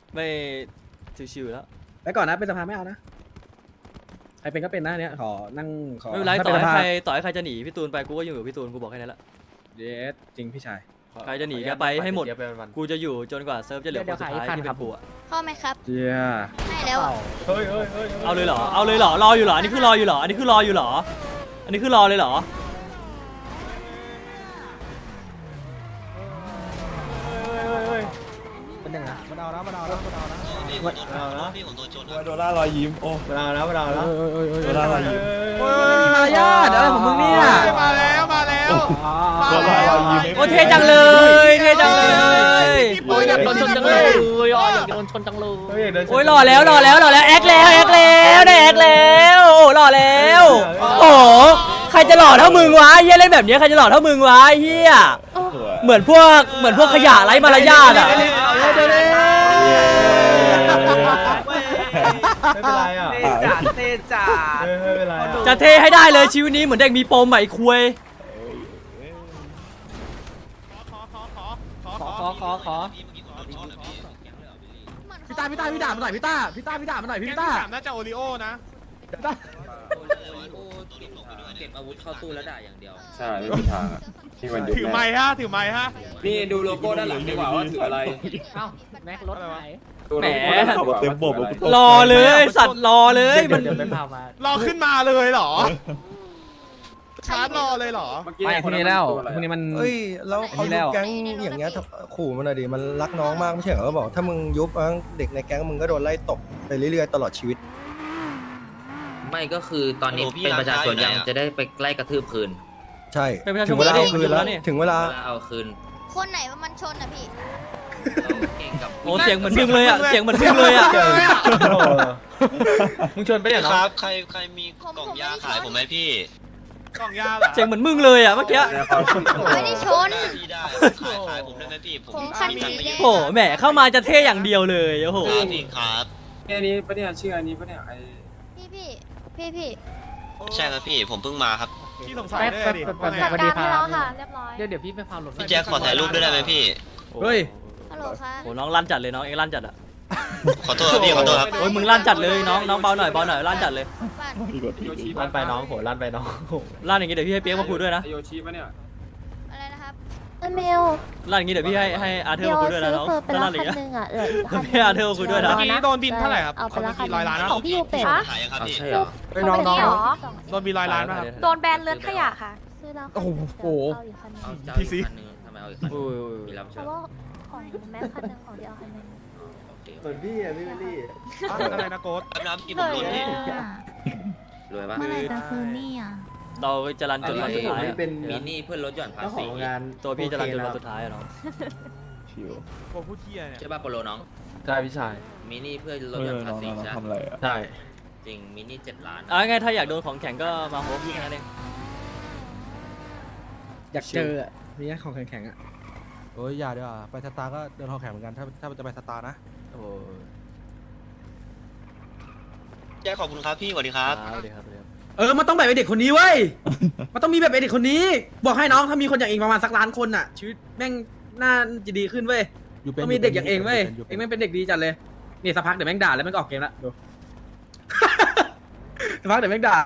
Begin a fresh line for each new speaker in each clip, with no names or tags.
ไม่ชิวๆแล้ว
ไปก่อนนะเป็นสภาไม่เอานะใครเป็นก็เป็นนะเนี่ยขอนั่งขอ
ไม่เป็นไร
ถ้า
ต่อ
ป็น
ให้
สภา
ใครจะหนีพี่ตูนไปกูก็อยู่กับพี่ตูนกูบอกแค่นั้นแหละ
เยสจริงพี่ชาย
ใครจะหนีก็ไปให้หมดกูจะอยู่จนกว่าเซิร์ฟจะเหลือคนสุดท้ายที่เป็นกูอะ
เข้าไหมครับ
เจีย
ให้แล้วอะ
เอาเลยเหรอรออยู่เหรออันนี้คือรออยู่เหรออันนี้คือรออยู่เหรออันนี้คือรอเลยเหรอ
เป็นยังไง
มาดาวนะมาดาวนะมาดาวนะ
พี่ผมโดนชน
โดล่ารอยยิ้มโอ้
มาดาวนะมาดาวนะ
โดล่ารอยยิ้ม
มารยาทอะไรของมึงเนี่ย
มาแล้วมาแล้ว
โดล่ารอยยิ้ม
โอ้เท่จังเลยเท่จังเลย
โอ้ยอยากโดนชนจังเลย
อยากโดนชนจังเลย
โอ้ยหล่อแล้วแอคแล้วได้แอคแล้วโอ้หล่อแล้วโอ้ใครจะหล่อเท่ามึงวะเฮียเล่นแบบนี้ใครจะหล่อเท่ามึงวะเฮียเหมือนพวกขยะไร้มารยาทอ่ะ
ไม่เป็นไรอ่ะ
เต้จ๋า
ไม่เป็นไร
จะเทให้ได้เลยชีวิตนี้เหมือนเด็กมีปมใหม่คุย
ขอพี่ต้าพี่ด่ามาหน่อยพี่ต้ามาหน่อยพี่ต้า
น่าจะโอริโอนะ
เก็บอาวุธเข้าตู้แล้วด่าอย่างเดียว
ใช่ไม่มีทางอะที่มันยุบ
ถือไม้ฮะถือไม้ฮะ
นี่ดูโลโก้ด้านหลังดีกว่าว่าถืออะไร
เอ้าแม็กรถไหน
แหม
เต็มบบ
รอเลยสัตว์รอเลยมัน
เดี๋ยวไปพามา
รอขึ้นมาเลยเหรอชาร์จรอเลยเหรอ
ไม่พรุ่งนี้แล้วพรุ่งนี้มัน
เอ้ยแล้วเขายุบแก๊งอย่างเงี้ยขู่มันหน่อยดิมันรักน้องมากไม่ใช่เหรอเขาบอกถ้ามึงยุบเด็กในแก๊งมึงก็โดนไล่ตบไปเรื่อยๆตลอดชีวิต
ไม่ก็คือตอนนี้เป็นประชาชนยังจะได้ไปไล่กระทืบคืน
ใช่
เป็นประชาชน
ถึงเวลาเอาคืนแล้ว
นี่
ถึงเวลา
เวลาเอาคืน
คนไหนว่ามันชนอ่ะพี่
เราเก่งกับ
โอ้เสียงเหมือนมึงเลยอ่ะเสียงเหมือนมึงเลยอ่ะ
มึงชวนไปเนี่ย
ครับใครมีกล่องยาขายผมไหมพี่
กล่องยาเหรอ
เสียงเหมือนมึงเลยอ่ะเมื่อกี้
ไม่ได้ชน
พี่ได้ขายผมได้ไหมพี่ผม
ผมคันนี้
โอ้แหมเข้ามาจะเท่อย่างเดียวเลยโอ้โห
ครับพี่ครับ
อันนี้ปะเนี่ยชื่ออันนี้ปะเนี่ยไอ
พี่
ใช่ครับพี่ผมเพิ่งมาครับ
พี่สงสัยเลยดิว่าไง
สวัสดีครับ
เรียบร้อย
เดี๋ยวพี่ไปพาหลบ
พี่แจ็คขอถ่ายรูปด้วยได้ไหมพี่
เฮ้ย
ฮัลโหลค่ะ
โอ้น้องลั่นจัดเลยน้องเอ็งลั่นจัดอ่ะ
ขอโทษครับพี่ขอโทษครับ
โอ้ยมึงลั่นจัดเลยน้องเบาหน่อยลั่นจัดเลย
บ้าน
ลั่นไปน้องโหลั่นไปน้อง
ลั่นอย่างงี้เดี๋ยวพี่ให้เปี๊ยกมาคุยด้วยนะ
โยชิปะเนี่ย
อะไรนะครับ
เมล
ลั่นอย่างงี้เดี๋ยวพี่ให้อาร์เธอ
เดี๋
ร์
ยว
มาคุยด้วยนะ
ซื้อ
น้อง
เฟอร์ไป
ถ้า
แล้
ลั่
วน
อย่าง
คัน
เงี้ย
หนึงอ่ะเหลืออีกคัน
พี่อาร์เธอร์มาคุยด้วยนะ
เมื่อกี้โดนบินเท่าไหร่ครับ
เอาไป
เขา
ละ
มี
คัน
กี่ร้อยล้านนะ
ของพี่ยูเป็ด
ขายยังครับพี่
ใช่เหรอ
น้อง
เหรอ
โดนบินร้อยล้านป่ะครับ
โดนแบน
เลือดขยะค่ะซื้อแล้ว
โอ้โห
เอาอีกคันหนึง
เอาเจ้า
พี่
อีก
ซิ
คันหนึงทำไมเอาอีกคันหนึง
โอ้ย
มีรับ
เพ
เชิญ
ราะว่าของแม็กคันหนึงของเดียวคันหนึง
โอเค
เหมือนพี่อ่ะพี่วิลลี่
อะไรนะโค้ด
น้ำกินผมโดนพี่
รวยปะ
เมื่อไหร่จะซื้อนี่อ่ะ
เราจะรันจนวันสุดท้ายอะ
มินี่เพื่อนลดหย่อนภาษี
ตัวพี่จะรันจนวันสุดท้ายอะน้อง
ชิว
โค้ดผู้เที่ยเนี่ย
ใช่ป่ะโปโลน้อง
ใช่พี่ชาย
มินี่เพื่อนลดหย่อนภาษีใช่
ทำอะไรอ่ะ
ใช่
จริงมินี่7 ล้าน
เอาไงถ้าอยากโดนของแข็งก็มาโฮมพี่แค่นั้นเอง
อยากเจออ่ะมีแค่ของแข็งๆอ่ะ
โอ้ยอย่าดีกว่าไปสตาร์ก็เดินทองแข็งเหมือนกันถ้าจะไปสตาร์นะ
โอ้ย
แจ็คขอบคุณครับพี่สวัสดีครับ
สวัสดีครับ
มันต้องแบบไอเด็กคนนี้เว้ยมันต้องมีแบบไอเด็กคนนี้ บอกให้น้องถ้ามีคนอย่างเองประมาณสักล้านคนอ่ะชีวิตแม่งน่าจะดีขึ้นเว้ยต้องมีเด็กอย่างเองเว้ยเองแม่งเป็นเด็กดีจัดเลยนี่สักพักเดี๋ยวแม่งด่าแล้วแม่งก็ออกเกมละดู สักพักเดี๋ยวแม่งด่า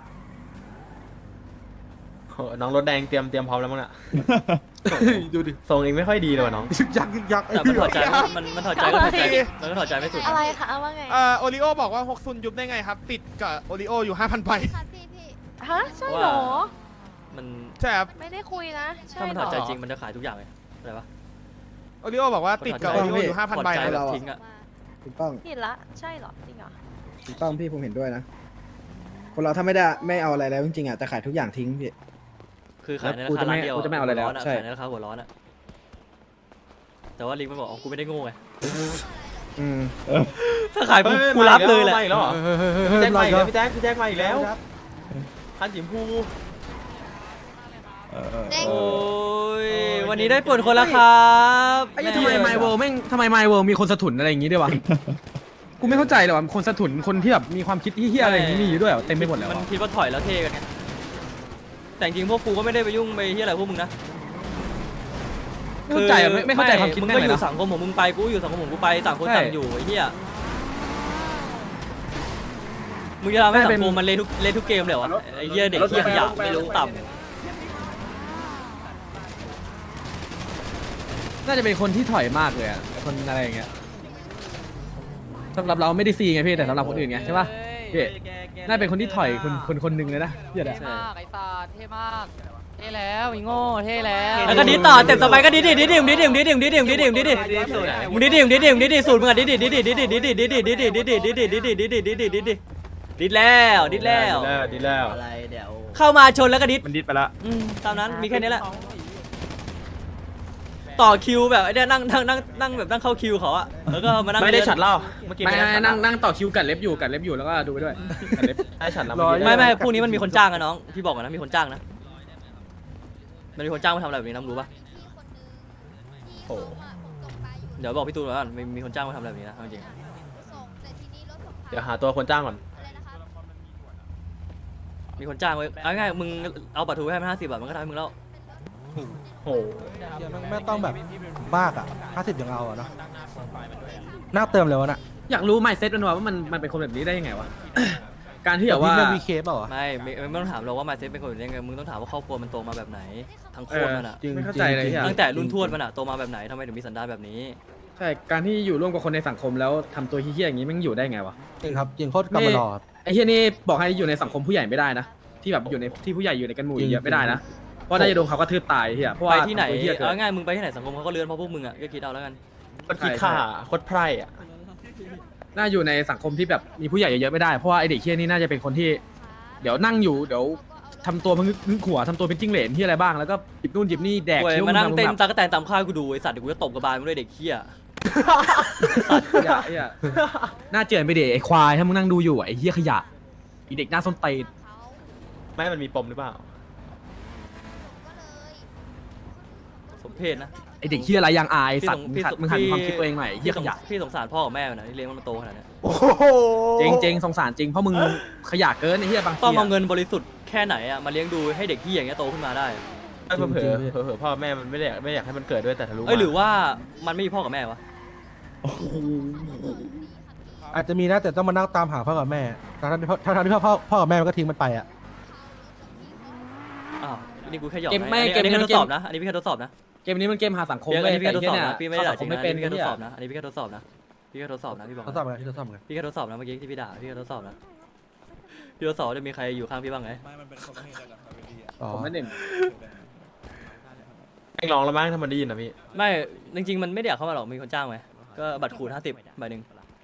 น้องรถแดงเตรียมพร้อมแล้วมั้งน่ะ
ดูดิ
ทรงเองไม่ค่อยดีเลยว่ะน้อง
ยักษ์
แต่มันถอดใจมันถอดใจก็ถอดใจมันก็ถอดใจไม่สุด
อะไรคะเอาว่าไง
โอริโอบอกว่าฮกซุนยุบได้ไงครับ ติดกับโอริโออยู่ 5,000 ใบ
ครับพี่
ฮะใช่เหรอ
มัน
ใช่ครับ
ไม่ได้คุยนะใช่
ถ้ามัน
เห
ถ
ร
อด
อ
ใจจริงมันจะขายทุกอย่างเลยอะไรปะ
โอริโอบอกว่าติดกับโอริโออยู่ 5,000 ใบ
ถอดใจ
นะ
แบบทิ้งอะ
ถูกต้อง
ผิดละใช่เหรอจริงเหรอ
ถูกต้องพี่ผมเห็นด้วยนะคนเราถ้าไม่เอาอะไรแล้วจริงๆอ่ะจะขายทุกอย่างทิ้งพี่
คือขายในราคาร้านเดียว
กูจะไม่เอาอะไรแล้วใช่
ขายในราคาหัวร้อนอะแต่ว่าลิงมันบอกอ๋อกูไม่ได้โง่ไง
อืม
ถ้าขายกูรับเลยแหละ
ไม่หรอพี่แจ็คมาอีกแล้วพี่แจ็คมาอีกแล้วคันสีชมพู
โอ้ยวันนี้ได้ปวดคนละครับ
ไอ้ยี่ทำไมไมเวิลแม่งทำไมไมเวิลมีคนสะทุนอะไรอย่างงี้ด้วยวะ กูไม่เข้าใจเลยว่าคนสะทุนคนที่แบบมีความคิดเฮี้ยๆอะไรอย่างงี้มีอยู่ด้วยเหรอเต็มไปหมดเลย
มัน
วะ
คิดว่าถอยแล้วเท่กันไงแต่จริงพวกกูก็ไม่ได้ไปยุ่งไปที่อะไรพวกมึงนะ
เข้าใจอะไม่เข้าใจความคิด
มึง
แม่ง
ก็
เล
อย ยู่
นะ
สังคมของมึงไปกูอยู่สังคมของกูไปต่างคน
ใช่
ต่างอยู่ไอ้เหี้ยมึงจะทำให้
ไม่
สั
เป็น
งคมมันเละทุกเกมเลยวะไอ้เหี้ยเด็กเหี้ยขยะไม่รู้ต่ำ
น่าจะเป็นคนที่ถอยมากเลยอะคนอะไรอย่างเงี้ยสำหรับเราไม่ได้ซีไงพี่แต่สำหรับคนอื่นไงใช่ปะพี่น่าเป็นคนที่ถอยคนหนึ่งเลยนะเหี้ยอะ
ใช่
ไอ้ตาเท่มากเท่แล้วอีโง่เท่แล้ว
แล้วก็ดิต่อเต็มสบายก็ดิดิมึงดิสูตรมึงอะดิดิแล้วดิแล้ว
ดีแล้ว
อะไรเดี๋ยวเข้ามาชนแล้วก็ดิ
มันดิดไปละ
ตามนั้นมีแค่นี้แหละต่อคิวแบบไอ้เนี่ยนั่งแบบนั่งเข้าคิวเขาอะแล้วก็มานั่ง
ไม่ได้ฉัดเหล้าเมื่อกี้
ไม่
ด้ฉัดเหล้า
นั่งต่อคิวกัดเล็บอยู่แล้วก็ดูไปด้วยกัดเล็บ
ได้ฉัดแล้ว
ไม่พวกนี้มันมีคนจ้างอะน้องพี่บอกก่อนนะมีคนจ้างนะมันมีคนจ้างมาทำอะไรแบบนี้น้ำรู้ปะ
โอ้
เดี๋ยวบอกพี่ตูนว่ามีคนจ้างมาทำอะไรแบบนี้นะจริง
เดี๋ยวหาตัวคนจ้างก่อน
มีคนจ้างไว้เอาง่ายมึงเอาบัตรทูให้มัน50 บาทมันก็ทำให้มึงแล้ว
โอ้
ไม่ต้องแบบบ้ากอะ50ยังเอาอะเนาะน่าเติมเลยวะน่ะ
อยากรู้ไมซ์เซ็ตมันว่ามันเป็นคนแบบนี้ได้ยังไงวะ การที่แบบว่า
เรื่องวีเคเปล่าวะ
ไม่ต้องถามเราว่ามาเซ็ตเป็นคนยังไงมึงต้องถามว่าครอบครัวมันโตมาแบบไหนทั้งโคตรมันอะ
จริง
ไม่เข้าใจเลย
จริง
อะ
ตั้งแต่รุ่นทวดมันอะโตมาแบบไหนทำไมถึงมีสันดานแบบนี้
ใช่การที่อยู่ร่วมกับคนในสังคมแล้วทำตัวเฮี้ยๆอย่างนี้มันอยู่ได้ไงวะ
จริงครับจริงโคตรกำมารอครับ
ไอ้เฮี้ยนี่บอกให้อยู่ในสังคมผู้ใหญ่ไม่ได้นะที่แบบอยู่ในที่ผู้ใหญ่อยู่ในกันหมู่เยอะไม่ได้นะเพราะน่าจะโดนเขากระทืบตายเฮี้ยเพราะ
ไป
ว่า
ที่ไหน
ทำตัวเฮี้ยเกิน
เอาง่ายมึงไปที่ไหนสังคมเขาก็เลือนเพราะพวกมึงอะก็คิดเอาแล้วกัน
คนคิดข่าโคตรไพร่อะ
น่าอยู่ในสังคมที่แบบมีผู้ใหญ่เยอะๆไม่ได้เพราะว่าไอเด็กเฮี้ยนี่น่าจะเป็นคนที่ เดี๋ยวนั่งอยู่เดี๋ยวทำตัวพึ่งขัวทำตัวเป็นจิ้งเหลนที่อะไรบ้างแล้วก็จิบนู่นจิบนี่แดก
ป่วย
คิ้ว
มานั่งเต้น
แบบ
ตากระแตนตามค่ายกูดูไอสัตว์เดี๋ยวกูจะตบกระบาลมึงด้วยเด็กเหี้ย
เหี้ยน่าเจือนไปเด็กไอควายถ้ามึงนั่งดูอยู่ไอเฮี้ยขยะไอเด็กหน้าส้นตีน
ไม่มันมีปมหรือเปล่า
สมเพศนะ
ไอเด็กเฮี้ยไรยังอายสัตว์มึงหันความคิดตัวเองหน่อยไอ้เฮี้ยขยะ
พี่สงสารพ่อกับแม่มันนะที่เลี้ยงมันมาโตขนาดเนี้ย
โอ้โห
จริงสงสารจริงเพราะมึงขยะเกินไอเฮี้ยบางที
ต้องเอา
อะ
เงินบริสุทธิ์แค่ไหนอะมาเลี้ยงดูให้เด็กที่อย่างเงี้ยโตขึ้นมาได้
เผลอพ่อแม่มันไม่อยากให้มันเกิดด้วยแต่ทะลุ
เอ้ยหรือว่ามันไม่มีพ่อกับแม่วะ
อาจจะมีนะแต่ต้องมานั่งตามหาพ่อกับแม่ทั้งที่พ่อกับแม่มันก็ทิ้งมันไปอะ
อ้าวนี่กูแค่หยอก
เกม
นะ
ไม่
อัน
เกม
นี้
นี้
แค่
มั
ท
น
ดสอบนะอันนี้พี่แค่ทดสอบนะ
เกมนี้มันเกมหาสังคม
อันนี้พี่แค่ทดสอบ
ไอ้
นะ
เหี้ย
พี่ไม่ได้ด่าจริง
เข้า
นะ
สั
อัน
ค
นี้
ไม่
พี่
เป็น
แค่ทดสอบนะอันนี้พี่แค่ทดสอบนะพี่แค่ทดสอบนะพี่บอก
ทดสอบไงที่ทดสอบไง
พี่แค่ทดสอบนะเมื่อกี้ที่พี่ด่าพี่แค่ทดสอบนะพี่ทดสอบจะมีใครอยู่ข้างพี่บ้างไหม
อ๋อ
ผมไม่เด่น
แม่งร้องแล้วมั้งถ้ามันได้ยินนะพี่
ไม่จริงๆมันไม่ได้อยากเข้ามาหรอกมีคนจ้างไหมก็บัตรขูด50 ใบหนึ่ง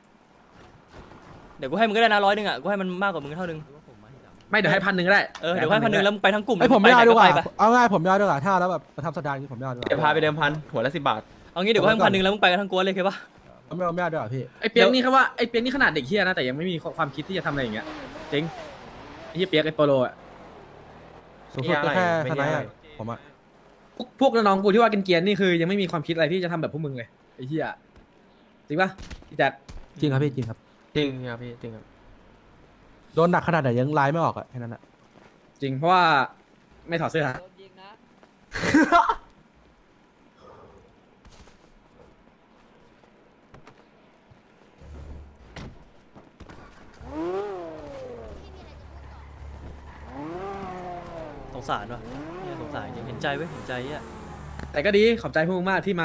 เดี๋ยวกูให้มึงก็ได้นะ100อะกูให้มันมากกว่ามึงเท่านึง
ไม่เดี๋ยวให้1,000ก็ได้
เดี๋ยวให้1,000แล้วมึงไปทั้งกลุ่ม
ไอผมไม่เอาดีกว่า
ไป
เอาง่ายผมไม่เอาดีกว่าถ้าแล้วแบบมาทำสัปดาห์นี้ผมไม่เอาดีกว่า
เดี๋ยวพาไปเดิมพันหัวละ10 บาท
เอางี้เดี๋ยวกูให้1,000แล้วมึงไปกันทั้งกวนเลยโอเคปะ
ผมไม่เอาดีกว่าพี่
ไอ้เปียกนี่เขาว่าไอ้เปียกนี่ขนาดเด็กเฮี้ยนะแต่ยังไม่มีความคิดที่จะทำอะไรอย่างเงี้ยจริงไอ้เฮี้ยเปียกไอ้โปโลอะ
สูงสุดก็แค่
ไม่
ท
ได้
นาย
อะไร
อะผมอะ
พวกน้องๆกูที่ว่าเกรียนๆนี่คือยังไม่มีความคิดอะไรที่จะทำแบบพวกมึงเลยไอ้เฮี้ยจริงปะพี่แจ๊ค
จริงครับพี่จริงครับ
จริงครับพี่จริงครับ
โดนหนักขนาดไหนยังไลน์ไม่ออกอะแค่นั้นอะ
จริงเพราะว่าไม่ถอดเสื้อ
สงสารวะเนี่ยสงสารจริงเห็นใจเว้ยเห็นใจอ่ะ
แต่ก็ดีขอบใจพวกมึงมากที่มา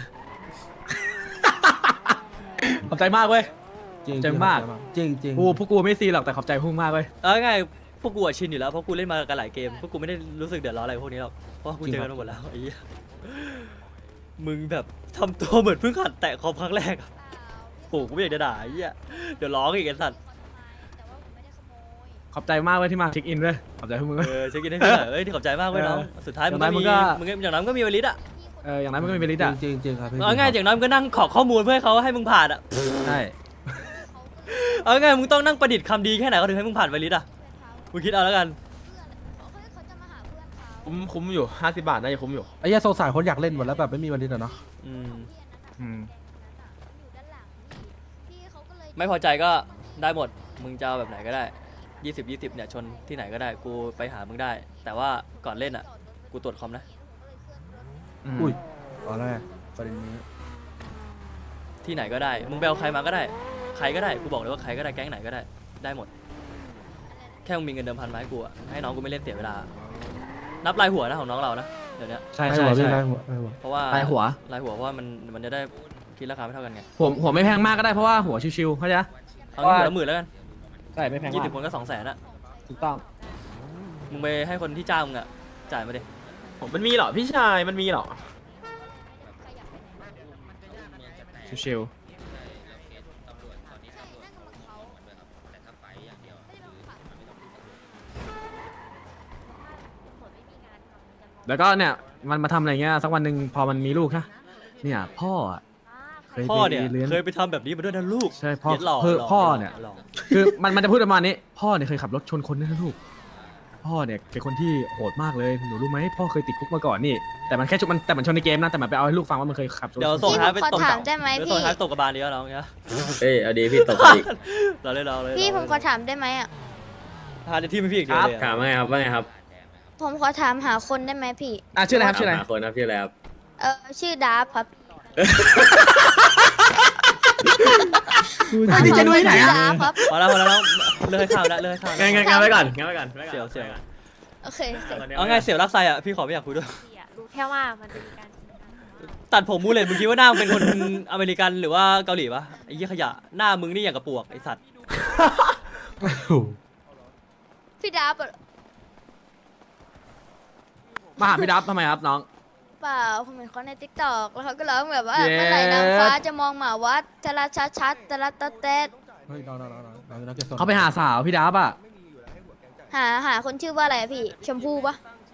ขอบใจมากเว้ย
จริง
ใจมาก
จริงจริง
พวกกูไม่ซีหรอกแต่ขอบใจพวกมึงมากเว้ย
เอาง่ายๆพวกกูอะชินอยู่แล้วเพราะกูเล่นมากันหลายเกมพวกกูไม่ได้รู้สึกเดือดร้อนอะไรพวกนี้หรอกเพราะว่ากูเจอกันมาหมดแล้วไอ้เหี้ยมึงแบบทำตัวเหมือนเพิ่งหัดแตะคอมครั้งแรกอะโอ้กูไม่อยากจะด่าไอ้เหี้ยเดี๋ยวร้องอีกไอ้สัตว์
ขอบใจมากเว้ยที่มาเช็คอินด้วยขอบใจพวกมึงเว้ย
เช็คอินให้พี่หน่อยที่ขอบใจมากเว้ยน้องสุดท้ายมึงก็มีอย่างนั้นก็มีวลิตอ่ะ
อย่างนั้นมันก็มีเบลิดอ่ะ
จริงจริงครับพี่
เอาง่ายอย่างน้อยมึงก็นั่งขอข้อมูลเพื่อให้เขาให้มึงผ่านอ่ะ
ใช่
เอาง่ายมึงต้องนั่งประดิษฐ์คำดีแค่ไหนเขาถึงให้มึงผ่านวลิตอ่ะมึงคิดเอาแล้วกัน
คุ้มอยู่50 บาทน่าจะคุ้มอยู่
ไอ้เหี้ยสงสารคนอยากเล่นหมดแล้วแบบไม่มีวันนี้อะเนาะ
ไม่พอใจก็ได้หมดมึงจะเอาแบบไหนก็ได้20เนี่ยชนที่ไหนก็ได้กูไปหามึงได้ แต่ว่าก่อนเล่นอ่ะกูตรวจคอมนะ
อุ้ยอ๋อแล้วไงประเด็นนี้
ที่ไหนก็ได้มึงไปเอาใครมาก็ได้ใครก็ได้กูบอกเลยว่าใครก็ได้แก๊งไหนก็ได้ได้หมดแค่มึงมีเงินเดิมพันมาให้กูอะให้น้องกูไม่เล่นเสียเวลานับรายหัวนะของน้องเรานะเดี๋ยวนี้
ใช่
ได้
ใช่
หัวพี่
ใช่
ได้หัวได้หัว
เพราะว่าร
ายหัว
รายหัวเพราะว่ามันจะได้คิดราคาไม่เท่ากันไง
หัวไม่แพงมากก็ได้เพราะว่าหัวชิวๆเข้าใจปะ
เอางี้หัวละหมื่นแล้วกัน
ใช่ไม่แพง
ยี่
มา
สิบ
ก
คนก็200,000อะ
ถูกต้อง
มึงไปให้คนที่จ้างมึงอะจ่ายมาดิ
ผมมันมีเหรอพี่ชายมันมีเหรอ
ชิว แล้วก็เนี่ยมันมาทำอะไรเงี้ยสักวันหนึ่งพอมันมีลูกนะเนี่ยพ่ออะเคย
พ่อ
ไป
เนี่ย
เลี้ยง
เคยไปทำแบบนี้มาด้วยนะลูก
ใช่พ่อ
เย็ดหล่อ
คือ
หล่
พ่อเนี่ย
หล่อ
คือมันจะพูดประมาณนี้ พ่อเนี่ยเคยขับรถชนคนด้วยนะลูกพ่อเนี่ยเป็นคนที่โหดมากเลยหนูรู้ไหมพ่อเคยติดคุกมาก่อนนี่แต่มันแค่ชนมันแต่มันชนในเกมนะแต่มันไปเอาให้ลูกฟังว่ามันเคยขับรถ
เดี๋ยวส่ง
พี่
ท้าย
ผ
ไป
มขอ
ตบ
ถามได้ไหม
เดี๋ยวส่
พี่
งท้ายตบกระบาลดีแล้วน้องเนี่ย
เอ้ยเอาดีพี่ตบอีก
เราเล่นเราเลย
พี่ผมขอถามได้ไหมอ่ะ
พาในที่ไม่พี่อีกเดียวเลยอะ
ถามว่าไงครับว่าไงครับ
ผมขอถามหาคนได้ไหมพี่
ชื่ออะไรครับชื่ออะไร
หาคนนะพี่อะไรครับ
ชื่อดาฟครับ
ดีใจด้วยไหน
ชื่อ
อะ
ดาฟครับ
พอแล้วน้องเลิกให้ข้าวแล้วเลิกให้ข้าวแล้ว
งั้นไว้ก่อนงั้นไว้ก่อน
เสี่ยว
โอเค
เอาไงเสี่ยวรักไซอะพี่ขอไม่อยากคุยด้วย
พี่อะรู้แค่ว่ามันจะมีการ
ตัดผมมูเลตมึงคิดว่าหน้ามึงเป็นคน อเมริกันหรือว่าเกาหลีปะไอ้ยี่ขยะหน้ามึงนี่อย่างกับปวกไอ้สัตว์
พี่ดาฟอะ
มาหาพี่ดับทำไมครับน้อง
เปล่าผมเห็นเขาในติ๊กต็อกแล้วเขาก็ร้องแบบว่า
เย้
เมื่อไหร่นางฟ้าจะมองหมาวัดทะละชัดชัดทะละตะเต็ด
เฮ้ยน้อง
เขาไปหาสาวพี่ดับอ่ะ
หาคนชื่อว่าอะไรอะพี่ชมพู่ปะ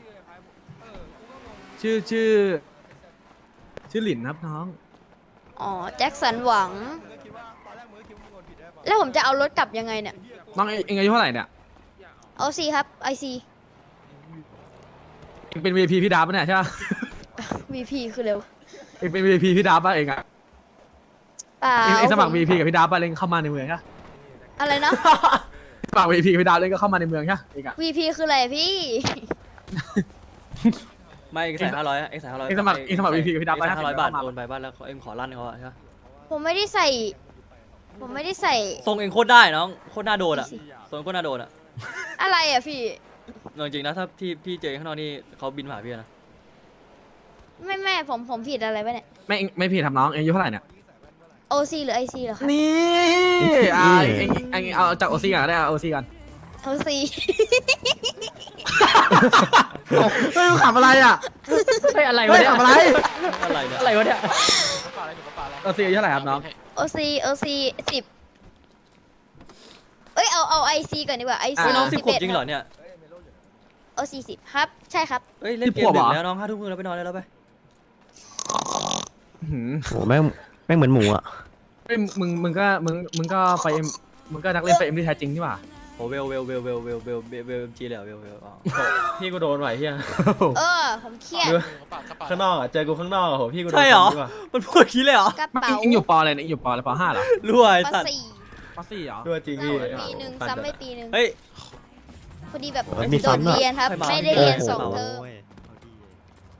ชื่อหลินครับน้อง
อ๋อแจ็คสันหวัง แล้วผมจะเอารถกลับยังไงเนี่ย
น้องเองอายุเท่าไหร่เนี่ย
เอาซีครับไอซี
เองเป็น VIP พี่ดับปะเนี่ยใช่ปะ
VP คือเร็ว
เองเป็น VIP พี่ดับปะเองอะ
เปล่า
เองสมัคร
ผม
VIP กับพี่ดับปะเองเข้ามาในเมืองใช่ปะ
อะไรนะ
สมัคร VIP กับพี่ดับเองก็เข้ามาในเมืองใช่ปะเองอะ
VP คืออะไรพี่
ไม่เอ็งใส่500อะเอ็งใส่500
เองสมัคร VP กับพี่ดับ
เอ็งใส่500 บาท
เข้ม
โอนไปบ้านแล้วเอ็งขอลั่นเขาอะใช่ปะ
ผมไม่ได้ใส่ ผมไม่ได้ใส่
ทรงเอ็งโคตรได้น้องโคตรน่าโดนอะทรงโคตรน่าโดนอะ
อะไรอ่ะพี่
จริงๆนะถ้าพี่เจอข้างนอกนี่เขาบินมาหาพี่นะ
ไม่ผมผิดอะไรไปเนี่ย
ไม่ผิดทำน้องเองอายุเท่าไหร่เนี่ย
OC หรือ IC เหรอคะ
นี่เองเอาจาก OC ก่อนก็ได้เอา OC ก่อน
OC
เฮ้ยมึงขับอะไรอ่ะ
เฮ้ยอะไร
เฮ้
วะ
ย
เนี่ย
ขับอะไร
อะไรเนี่ย
อะไรวะเนี่ย
OC อายุเท่าไหร่ครับน้อง
OC 10เอ้ยเอา IC ก่อนดีกว่า IC
เฮ้ยน้อง10 ขวบ
11
จริงเหรอเนี่ย
OC 10ครับ ใช่ครับ
เฮ้ยเล่นเกมดึกแล้วน้อง5 ทุ่มแล้วไปนอนได้แล้วไป
โหแม่งเหมือนหมูอ่ะ
เฮ้ยมึงก็ไฟเอ็มมึงก็นักเล่นไฟเอ็มที่แท้จริงนี่หว่า
โอ้เวลจีเลยเหรอเวลอ๋อ
พี่กูโดนไหวเฮีย
ผมเครียด
ข้างนอกอ่ะเจอกูข้างนอกอ่ะโหพี่กูโดน
ใช่เหรอ
ดีกว่า
มันพูดขี้เลยเหรอก
ระเป๋า
เอ็งอยู่ปออะไรเนี่ยเอ็งอยู่ปออะไรปอ5เหรอ
รวย
ป
สัตว์
.4
ปอ4เหรอ
ด้วยจริงพี่
ปีหนึ่งซ้ำไปปีหนึ่ง
เฮ้ย
พอดีแบบ
มี
โดด
ซ้ำอะ
เรียนครับ
ใครมา
ไม่ได้เรียน
โอ้โห
2 เทอม